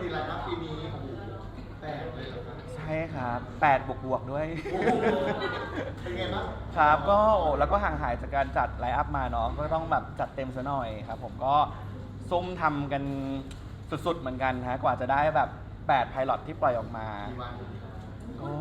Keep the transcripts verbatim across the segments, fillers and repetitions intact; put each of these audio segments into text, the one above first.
ไลน์อัพปีนี้โอ้โหแปดเลยเหรอครับใช่ครับแปดบวกบวกด้วยโอ้โหเป็นไงบ้างครับก็โอ้แล้วก็ห่างหายจากการจัดไลฟ์อัพมาเนาะก็ต้องแบบจัดเต็มซะหน่อยครับผมก็ซุ่มทำกันสุดๆเหมือนกันฮะกว่าจะได้แบบแปดไพลอตที่ปล่อยออกมาก็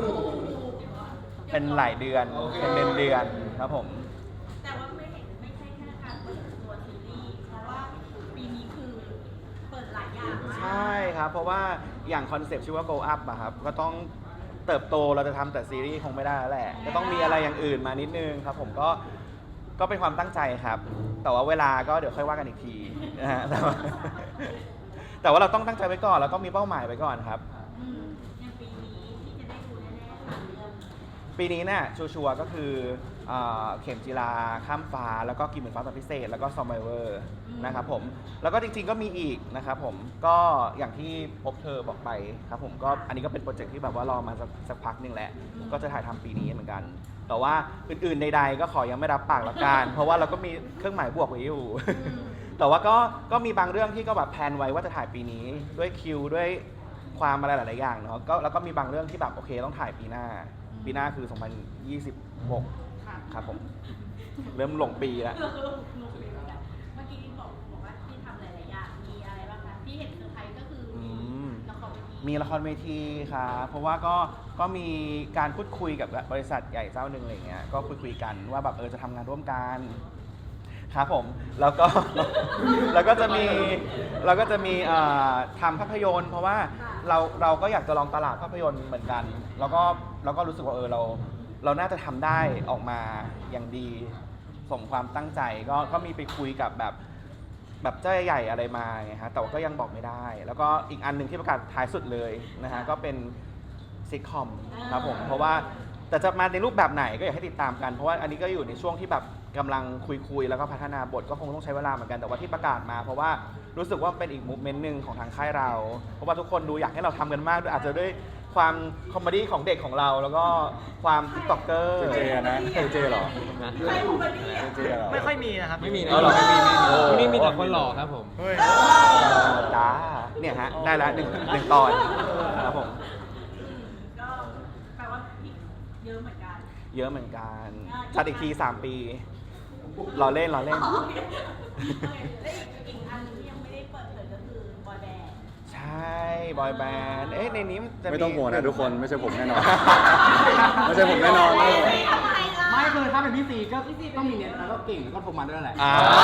เป็นหลายเดือนเป็นเดือนเดือนครับผมแต่ว่าไม่เห็นไม่ใช่แค่การเปิดตัวซีรีส์เพราะว่าปีนี้คือเปิดหลายอย่างมากใช่ครับเพราะว่าอย่างคอนเซปต์ชื่อว่า Go Up อะครับก็ต้องเติบโตเราจะทำแต่ซีรีส์คงไม่ได้แล้วแหละก็ต้องมีอะไรอย่างอื่นมานิดนึงครับผมก็ก็เป็นความตั้งใจครับ แต่ว่าเวลาก็เดี๋ยวค่อยว่ากันอีกทีนะฮะแต่ว่าแต่ว่าเราต้องตั้งใจไว้ก่อนเราต้องมีเป้าหมายไว้ก่อนครับอย่างปีนี้ที่จะได้ดูแน่ๆค่ะเรื่องปีนี้เนี่ยชัวร์ๆก็คือเข็มจีราข้ามฟ้าแล้วก็กินเหมือนฟ้าตอนพิเศษแล้วก็ซอมไบเวอร์นะครับผมแล้วก็จริงๆก็มีอีกนะครับผมก็อย่างที่พบเธอบอกไปครับผมก็อันนี้ก็เป็นโปรเจกต์ที่แบบว่ารอมาสักพักหนึ่งแหละก็จะถ่ายทำปีนี้เหมือนกันแต่ว่าอื่นๆใดๆก็ขอยังไม่รับปากละกันเพราะว่าเราก็มีเครื่องหมายบวกไว้อยู่แต่ว่าก็ก็มีบางเรื่องที่ก็แบบแพลนไว้ว่าจะถ่ายปีนี้ด้วยคิวด้วยความอะไรหลายๆอย่างเนาะก็แล้วก็มีบางเรื่องที่แบบโอเคต้องถ่ายปีหน้าปีหน้าคือสองพันยี่สิบหกครับผมเริ่มหลงปีแล้วเมื่อกี้บอกบอกว่าที่ทำหลายๆอย่างมีอะไรบ้างคะที่เห็นเซอร์ไพรส์ก็คือละครเวทีมีละครเวทีครับเพราะว่าก็ก็มีการพูดคุยกับบริษัทใหญ่เจ้าหนึ่งอะไรเงี้ยก็คุยคุยกันว่าแบบเออจะทำงานร่วมกันครับผมแล้วก็แล้วก็จะมีเราก็จะมีทำภาพยนตร์เพราะว่าเราเราก็อยากจะลองตลาดภาพยนตร์เหมือนกันแล้วก็เราก็รู้สึกว่าเออเราเราน่าจะทำได้ออกมาอย่างดีสมความตั้งใจก็ก็มีไปคุยกับแบบแบบเจ้าใหญ่อะไรมาไงฮะแต่ว่าก็ยังบอกไม่ได้แล้วก็อีกอันหนึ่งที่ประกาศท้ายสุดเลยนะฮะก็เป็นซิทคอมครับผมเพราะว่าแต่จะมาในรูปแบบไหนก็อยากให้ติดตามกันเพราะว่าอันนี้ก็อยู่ในช่วงที่แบบกำลังคุยๆแล้วก็พัฒนาบทก็คงต้องใช้เวลาเหมือนกันแต่ว่าที่ประกาศมาเพราะว่ารู้สึกว่าเป็นอีกมูฟเมนต์หนึ่งของทางค่ายเราเพราะว่าทุกคนดูอยากให้เราทำกันมากด้วยอาจจะด้วยความคอมเมดี้ของเด็กของเราแล้วก็ความติ๊กต็อกเกอร์เจนะเจเหรอใครคอมเมดี้อ่ะไม่ค่อยมีนะครับไม่มีนะเออหรอไม่มีไม่มีนี่มีแต่คนหล่อครับผมจ้าเนี่ยฮะได้แล้วหนึ่งหนึ่งตอนครับผมก็แปลว่าเยอะเหมือนกันเยอะเหมือนกันจัดอีกทีสามปีรอเล่นรอเล่นและอีกอันนึงที่ยังไม่ได้เปิดเผยก็คือบอยแบนด์ใช่บอยแบนด์เอ๊ะในนี้จะไม่ต้องห่วงนะทุกคนไม่ใช่ผมแน่นอนไม่ใช่ผมแน่นอนไม่ไม่คือถ้าเป็นพี่ซีก็ต้องมีเน็ตแล้วก็เก่งแล้วก็โทรมาด้วยแหละ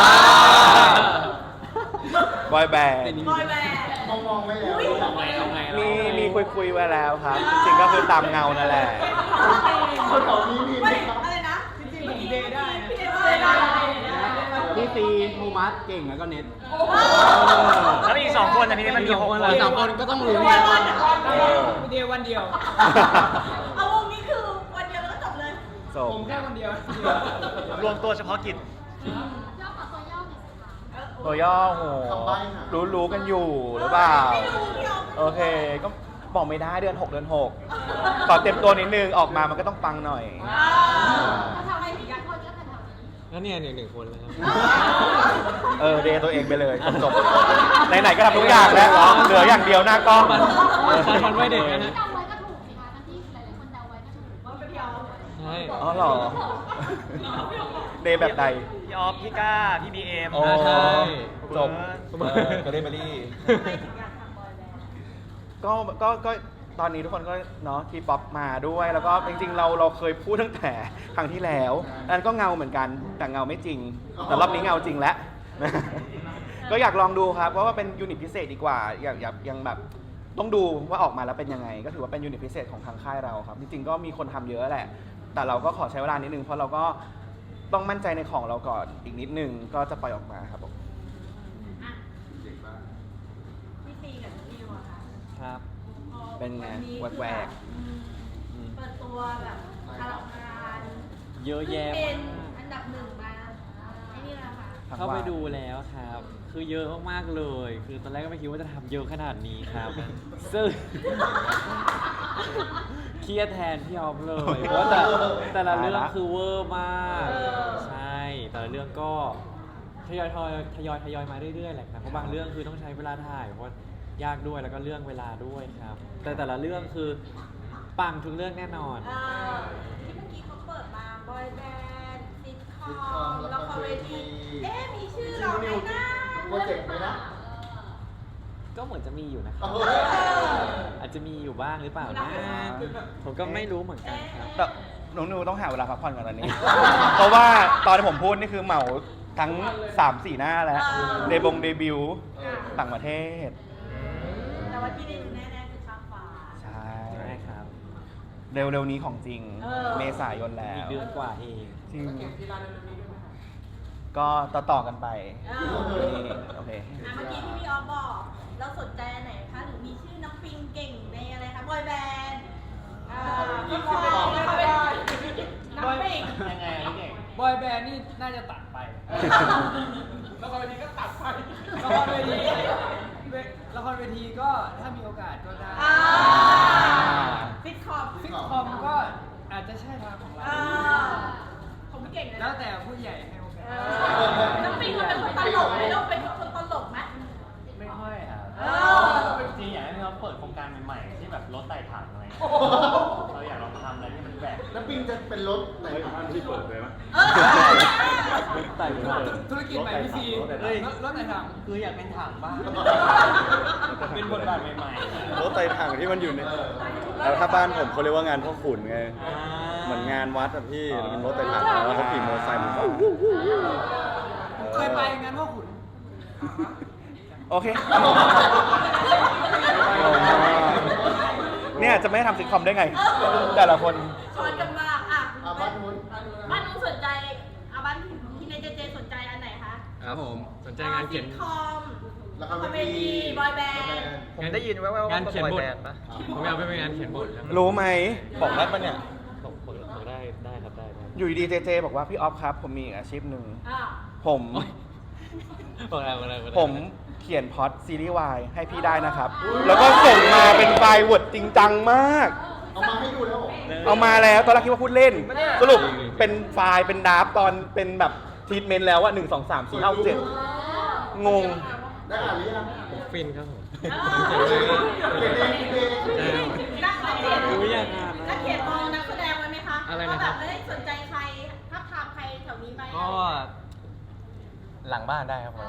บอยแบนด์บอยแบนด์มองมองไว้แล้วมีมีคุยคุยไว้แล้วครับจริงๆก็คือตามเงานั่นแหละคนต่อนี้มีไหมครับอะไรนะจริงๆผมเดย์ได้พี่เดย์ได้พี่ซีโทมัสเก่งแล้วก็เน็ตแล้วอีกสองคนนะพี่มันมีหกคนอีกสองคนก็ต้องรู้วันพี่เดย์วันเดียวเอาวงนี้คือวันเดียวแล้วก็จบเลยผมแค่วันเดียวรวมตัวเฉพาะกิจตัวย่อโหรู้รู้กันอยู่หรือเปล่าโอเคก็บอกไม่ได้เดือนหกเดือนหกขอเต็มตัวนิดนึงออกมามันก็ต้องปังหน่อยทำไมถึงอยากคนก็ทำแล้วเนี่ยหนึ่งหนึ่งคนเลยครับเออเดย์ตัวเองไปเลยจบไหนๆก็ทำทุกอย่างแล้วเหลืออย่างเดียวหน้ากล้องมันไม่เด็กนะเดาไว้ก็ถูกสิคะที่หลายๆคนเดาไว้ก็ถูกว่าเป็นพี่ออฟใช่อ๋อเหรอเดย์แบบใดพี่ออฟพี่ก้าพี่บีเอ็มโอ้จบก็ได้มาลี่ก็ก็ก็ตอนนี้ทุกคนก็เนาะทีป๊อปมาด้วยแล้วก็จริงๆเราเราเคยพูดตั้งแต่ครั้งที่แล้วนั่นก็เงาเหมือนกันแต่เงาไม่จริงแต่รอบนี้เงาจริงแล้วก็อยากลองดูครับเพราะว่าเป็นยูนิตพิเศษดีกว่าอยากอยากยังแบบต้องดูว่าออกมาแล้วเป็นยังไงก็ถือว่าเป็นยูนิตพิเศษของทางค่ายเราครับจริงๆก็มีคนทำเยอะแหละแต่เราก็ขอใช้เวลานิดนึงเพราะเราก็ต้องมั่นใจในของเราก่อนอีกนิดนึงก็จะปล่อยออกมาครับผมพี่ซีกับพี่นิวอะค่ะครับเป็นไงแหวกเปิดตัวแบบพลังงานเยอะแยะเป็นอันดับหนึ่งมาไอ้นี่แหละค่ะเข้าไปดูแล้วครับคือเยอะมากๆเลยคือตอนแรกก็ไม่คิดว่าจะทำเยอะขนาดนี้ครับซึ่งเครียดแทนพี่ออฟเลยเพราะแต่แต่ละเรื่องคือเวอร์มากใช่แต่ละเรื่องก็ทยอยทยอยทยอยทยอยมาเรื่อยๆแหละครับเพราะบางเรื่องคือต้องใช้เวลาถ่ายเพราะยากด้วยแล้วก็เรื่องเวลาด้วยครับ แต่แต่ละเรื่องคือปังทุกเรื่องแน่นอนเอ่อที่เมื่อกี้เขาเปิดมาบอยแบนด์ซิทคอมละครเวทีเอ๊ะมีชื่อเราไหมนะโปรเจกต์ไหมนะก็เหมือนจะมีอยู่นะครับเอออาจจะมีอยู่บ้างหรือเปล่านะผมก็ไม่รู้เหมือนกันครับแต่น้องนิวต้องหาเวลาพักผ่อนก่อนตอนนี้ เพราะว่าตอนที่ผมพูดนี่คือเหมาทั้ง สามสี่ หน้าแล้ว เดบงเดบิวต์ต่างประเทศแต่ว่าที่ได้ดูแน่ๆคือข้ามฟ้าใช่ใช่ครับเร็วๆนี้ของจริงเออเมษายนแล้อีกวเดือนกว่าเองจริงก็ต่อๆกันไปเออนี่โอเคอ่ะเมื่อกี้ที่พี่ออฟบอก เราสนใจอันไหนคะ หรือมีชื่อน้ำปิงเก่งในอะไรคะบอยแบนด์อ่าก็บอยเขาเป็นน้ำปิงยังไงเก่งบอยแบนด์นี่น่าจะตัดไป ละครเวทีก็ตัดไป ละครเวทีละครเวทีก็ถ้ามีโอกาสก็ได้อ่าซิทคอมซิทคอมก็อาจจะใช่ทางของเราอ่าผมเก่งเลยแล้นะวแต่ผู้ใหญ่ให้โอกาเอสอน้ำปิงมันเป็นคนตลกไหมเราเป็นคนตลกไหมไม่ค่อยครับเออจริงๆอยากให้เขาเปิดโครงการใหม่ๆที่แบบรถไต่ถังอะไรเงี้ยเราอยากลองทำอะไรที่มันแปลกแล้วปิงจะเป็นรถไหนครับที่เปิดเลยมั้ยเออไต่ถังธุรกิจใหม่พี่ซีเฮ้ยรถไหนถังคืออยากเป็นถังบ้างเป็นบทบาทใหม่ๆรถไต่ถังที่มันอยู่ในแล้วถ้าบ้านผมเขาเรียกว่างานพ่อขุนไง เหมือนงานวัดอะพี่แล้วเป็นรถไต่ถังแล้วเขาขี่มอเตอร์ไซค์ผมก็วู้วู้วู้เคยไปงานพ่อขุนโอเค เนี่ยจะไม่ทำซิทคอมได้ไง แต่ละคนชวนกันมากอ่ะอ่ะบ้านนู้นบ้านนู้นสนใจอ่ะบ้านที่ในเจเจสนใจอันไหนคะครับผม สนใจงานเขียนซิทคอมละคละรครเวเวทีทีบอยแบนด์ผมได้ยินแว่วๆงานเขียนบทแบนด์ปะผมอยากไปเป็นงานเขียนบทครับรู้ไหม บอกได้ปะเนี่ยผมผมผมได้ได้ครับได้ได้อยู่ดีๆเจเจบอกว่าพี่ออฟครับ ผมมีอีกอาชีพหนึ่งอ่ะผมบอกได้บอกได้บอกได้ผมเขียนพล็อตซีรีส์วายให้พี่ได้นะครับ แล้วก็ส่งมาเป็นไฟล์ Word จริงจังมากเอามาให้ดูแล้วเหรอเอามาแล้วตอนแรกคิดว่าพูดเล่น สรุปเป็นไฟล์เป็นดราฟต์ตอนเป็นแบบทีทเมนต์แล้วว่าหนึ่งสองสามสี่ห้าเจ็ดงงได้อ่านหรือยังผมฟินครับผมเขียนเองเขียนเองเขียนเองนักเขียนรู้ยังงานนะนักเขียนมองนักแสดงไว้ไหมคะอะไรนะว่าคแบรับบ ไม่ได้สนใจใครทักทามใครแถวนี้ไหมก็หลังบ้านได้ครับผม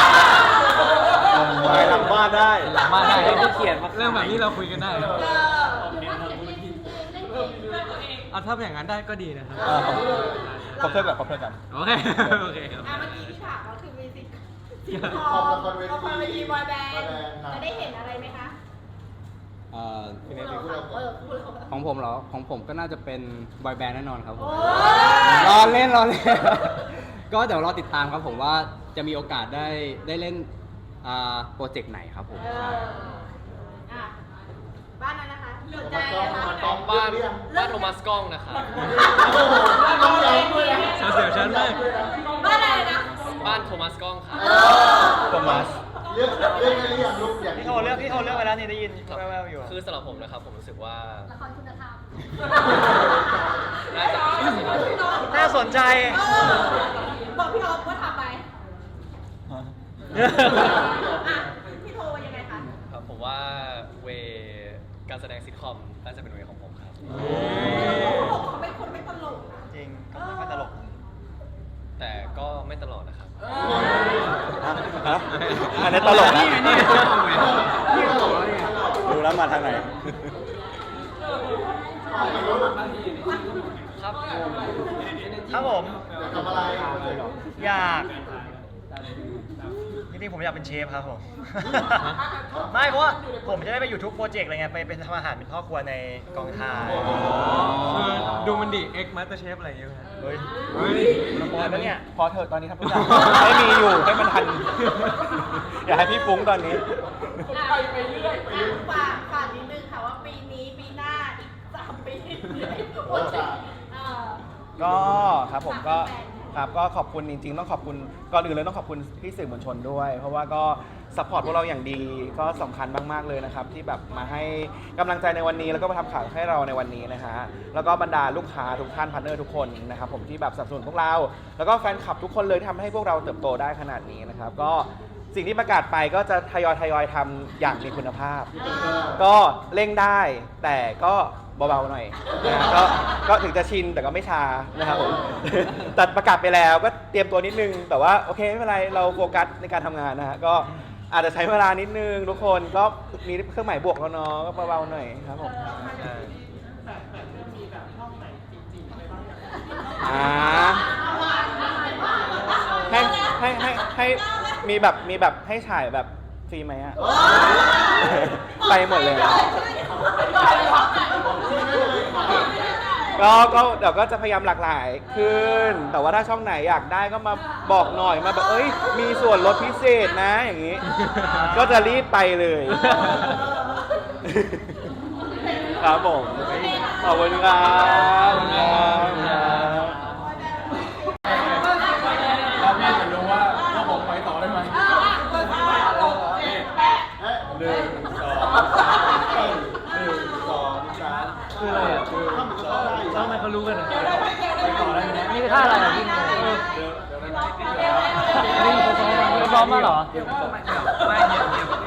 ไปหลังบ้านได้หลังบ้านได้ให้ที่เขียนมาเรื่องแบบนี้เราคุยกันได้เออเดี๋ยวว่าเขียนเองเล่นเองเล่นเองเอาถ้าเป็นอย่างนั้นได้ก็ดีนะครับอ่าขอบขอบเพื่อนกันขอบเพื่อนกันโอเคโอเคครับอ่ะเมื่อกี้ที่ถามก็คือมีซิทซิทคคออมมละครเวทีละครเวทีบอยแบนด์บอยแบนด์ครับจะได้เห็นอะไรไหมคะเอ่อพี่เนทพูดเราก่เออนอพูดเราก่อนของผมเหรอ ของผมก็น่าจะเป็นบอยแบนด์แน่นอนครับผมโอ้รอเล่นรอเล่น ก็เดี๋ยวรอติดตามครับผมว่าจะมีโอกาสได้ได้เล่นอ่าโปรเจกต์ไหนครับผมเอออ่ะบ้านนั้นนะคะสนใจอะไรคะบ้านบ้านบ้านโทมัสกล้องนะครับต้องย้ำด้วยนะเสียวฉันมากบ้านอะไรนะบ้านโทมัสกล้องครับโทมัสเลือกเลือกได้หรือยังลูกอย่างพี่โทรเลือกพี่โทรเลือกไปแล้วนี่ได้ยินแว่วๆอยู่คือสำหรับผมนะครับ ผมรู้สึกว่าละครคุณธรรมน่าจะน่าสนใจเออบอกพี่ออฟว่าทำไปอ่ะพี่โทรว่ายังไงคะครับผมว่าเวการแสดงซิทคอมน่าจะเป็นเวของผมครับเขาบอกเขาเป็นคนไม่ตลกนะจริงก็ไม่ค่อยตลกแต่ก็ไม่ตลอดนะครับฮะอันนี้ตลกนะนี่ไงนี่ไงตลกไงนี่ตลกแล้วไงดูแล้วมาทางไหนครับครับผมอยากทำอะไรอยากจริงๆผมอยากเป็นเชฟครับผม ไม่เพราะว่าผมจะได้ไปอยู่ทุกโปรเจกต์อะไรเงี้ยไปเป็นทำอาหารเป็นพ่อครัวในกองถ่ายคือดูมันดิ X Master Chef อะไรอย่างเงี้ยครับเฮ้ยเฮ้ยพอแล้วเนี่ยพอเถอะตอนนี้ทำทุกอย่างให้มีอยู่ให้มันทัน อย่าให้พี่ฟุ้งตอนนี้ไปไปเรื่อยฝากฝากนิดนึงค่ะว่าปีนี้ปีหน้าอีกสามปีโปรเจกต์เออก็ครับผมก็ครับก็ขอบคุณจริงๆต้องขอบคุณก่อนอื่นเลยต้องขอบคุณพี่สื่อมวลชนด้วย เพราะว่าก็ซัพพอร์ตพวกเราอย่างดีก็สำคัญมากๆเลยนะครับที่แบบมาให้กำลังใจในวันนี้แล้วก็มาทำข่าวให้เราในวันนี้นะฮะแล้วก็บรรดาลูกค้าทุกท่านพาร์ทเนอร์ทุกคนนะครับผมที่แบบสนับสนุนพวกเรา แล้วก็แฟนคลับทุกคนเลยที่ทำให้พวกเราเติบโตได้ขนาดนี้นะครับก็สิ่งที่ประกาศไปก็จะทยอยทยอยทำอย่างมีคุณภาพ ก็เร่งได้แต่ก็เบาๆหน่อยนะก็ก็ถึงจะชินแต่ก็ไม่ชานะครับผม แต่ประกาศไปแล้วก็เตรียมตัวนิดนึง แต่ว่าโอเคไม่เป็นไรเราโฟกัสในการทำงานนะฮะก็อาจจะใช้เวลานิดนึงทุกคนก็มีเครื่องหมายบวกแล้วเนาะก็เบาๆหน่อยครับผมอ่าให้ให้ให้ให้มีแบบมีแบบให้ฉายแบบฟรีไหมอะ ไปหมดเลย ก็ก็เดี๋ยวก็จะพยายามหลากหลายขึ้น แต่ว่าถ้าช่องไหนอยากได้ก็มาบอกหน่อยมาแบบเอ้ยมีส่วนลดพิเศษนะอย่างนี้ ก็จะรีบไปเลย ครับผมขอบคุณครับขอบคุณครับเราแม่จะรู้ว่าเราบอกไปต่อได้ไหมหนึ่งสองสามหนึ่งสองสามคืออะไรอ่ะคือทำก็ได้ทำไมเขารู้กันอ่ะไปต่อได้ไหมนี่คือท่าอะไรอ่ะพี่งงนี่เขาซ้อมมาเขาซ้อมมาเหรอไม่เดี๋ยว